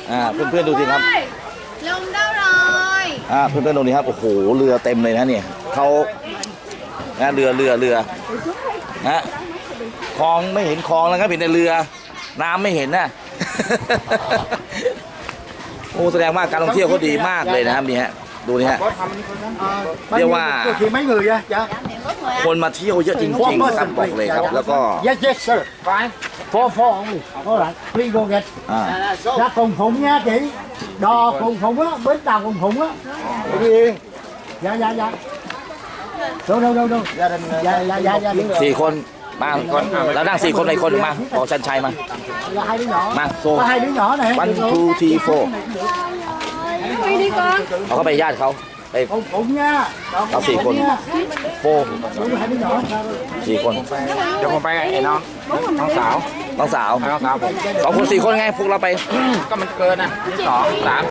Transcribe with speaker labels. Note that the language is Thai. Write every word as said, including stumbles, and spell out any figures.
Speaker 1: อ่าเพื่อนๆดูสิครับ
Speaker 2: ลมเด้าลอย
Speaker 1: อ่าเพื่อนๆดูนี่ครับโอ้โหเรือเต็มเลยนะเนี่ยเขานะเรือเรือเรือนะคลองไม่เห็นคลองแล้วครับเห็นแต่เรือน้ำไม่เห็นนะ โอ้แสดงว่าการท่องเที่ยวเขาดีมากเลยนะครับนี่ฮะดูนี่ฮะเรียกว่าคนมาเที่ยวเยอะจริงๆครับบอกเลยครับแล้วก็
Speaker 3: Yes, yes, sir. Fine. Four, four only. All right. Please go get.
Speaker 1: อ่า
Speaker 3: Dạ cùng phụng nha chị. Đò cùng phụng á, bến tàu cùng phụng á. Dạ, dạ, dạ. Đâu, đâu, đâu, đâu. Dạ, dạ, dạ, dạ.
Speaker 1: สี่คนมาแล้วนั่งสี่คนในคนมาบอกชันชัยมา
Speaker 3: Là hai đứa nhỏ.
Speaker 1: มาโซ
Speaker 3: Có hai đứa nhỏ này.
Speaker 1: one two three four
Speaker 2: đi đi con
Speaker 1: เขาก็ไปญาติเขาไป
Speaker 3: Cùng phụng nha.
Speaker 1: Tao xì con. four
Speaker 3: Đúng hai đứa nhỏ.
Speaker 1: สี่คน
Speaker 4: เดี๋ยวผมไปไอ้น้องน้องสาว
Speaker 1: น้องสาว
Speaker 4: น้องสาวผม
Speaker 1: สองคนสี่คนไงพวกเราไป
Speaker 4: ก็มันเกินนะสองสาม